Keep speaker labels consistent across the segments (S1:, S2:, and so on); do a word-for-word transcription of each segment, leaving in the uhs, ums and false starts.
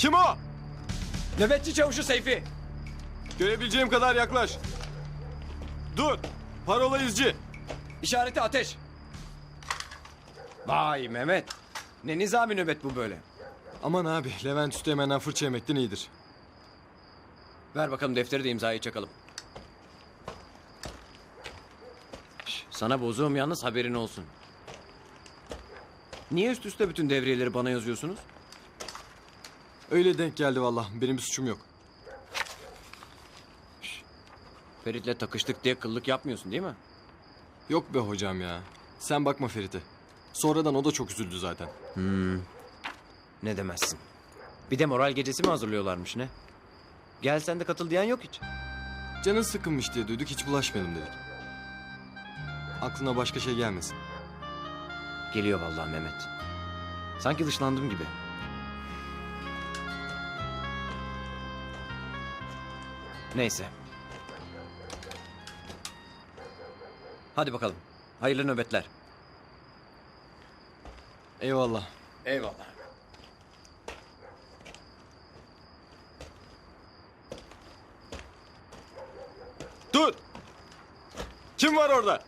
S1: Kim o?
S2: Nöbetçi çavuşu Seyfi.
S1: Görebileceğim kadar yaklaş. Dur. Parola izci.
S2: İşareti ateş. Vay Mehmet. Ne nizami nöbet bu böyle.
S1: Aman abi, Levent Üsteğmen'den fırça yemekten iyidir.
S2: Ver bakalım defteri de imzayı çakalım. Şş, sana bozuğum yalnız haberin olsun. Niye üst üste bütün devriyeleri bana yazıyorsunuz?
S1: Öyle denk geldi vallahi. Benim bir suçum yok.
S2: Ferit'le takıştık diye kıllık yapmıyorsun değil mi?
S1: Yok be hocam ya. Sen bakma Ferit'e. Sonradan o da çok üzüldü zaten.
S2: Ne demezsin. Bir de moral gecesi mi hazırlıyorlarmış ne? Gel sen de katıl diyen yok hiç.
S1: Canın sıkılmış diye duyduk, hiç bulaşmayalım dedik. Aklına başka şey gelmesin.
S2: Geliyor vallahi Mehmet. Sanki dışlandım gibi. Neyse. Hadi bakalım. Hayırlı nöbetler.
S1: Eyvallah.
S2: Eyvallah.
S1: Dur! Kim var orada?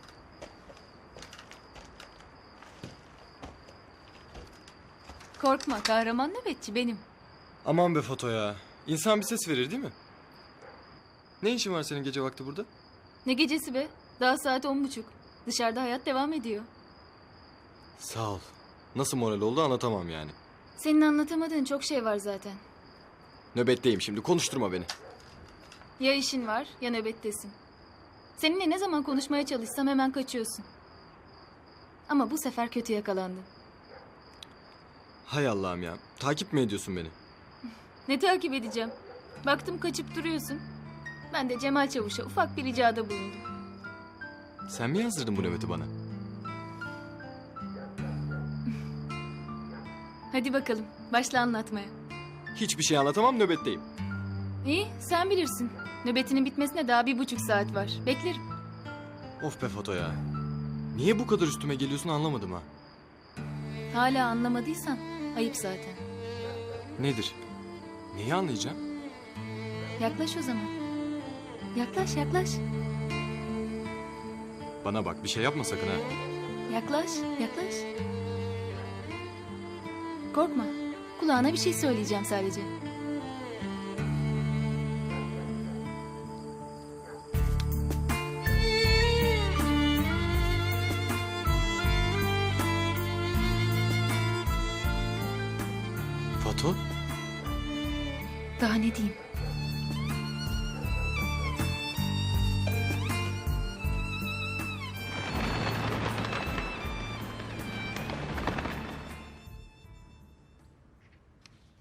S3: Korkma, kahraman nöbetçi benim.
S1: Aman be Foto ya. İnsan bir ses verir değil mi? Ne işin var senin gece vakti burada?
S3: Ne gecesi be? Daha saat on buçuk. Dışarıda hayat devam ediyor.
S1: Sağ ol. Nasıl moral oldu anlatamam yani.
S3: Senin anlatamadığın çok şey var zaten.
S1: Nöbetteyim şimdi, konuşturma beni.
S3: Ya işin var ya nöbettesin. Seninle ne zaman konuşmaya çalışsam hemen kaçıyorsun. Ama bu sefer kötü yakalandın.
S1: Hay Allah'ım ya. Takip mi ediyorsun beni?
S3: Ne takip edeceğim? Baktım kaçıp duruyorsun. Ben de Cemal Çavuş'a ufak bir ricada bulundum.
S1: Sen mi yazdırdın bu nöbeti bana?
S3: Hadi bakalım, başla anlatmaya.
S1: Hiçbir şey anlatamam, nöbetteyim.
S3: İyi, sen bilirsin. Nöbetinin bitmesine daha bir buçuk saat var. Beklerim.
S1: Of be Foto ya. Niye bu kadar üstüme geliyorsun anlamadım ha.
S3: Hala anlamadıysan ayıp zaten.
S1: Nedir? Neyi anlayacağım?
S3: Yaklaş o zaman. Yaklaş, yaklaş.
S1: Bana bak, bir şey yapma sakın ha.
S3: Yaklaş, yaklaş. Korkma. Kulağına bir şey söyleyeceğim sadece.
S1: Foto?
S3: Daha ne diyeyim?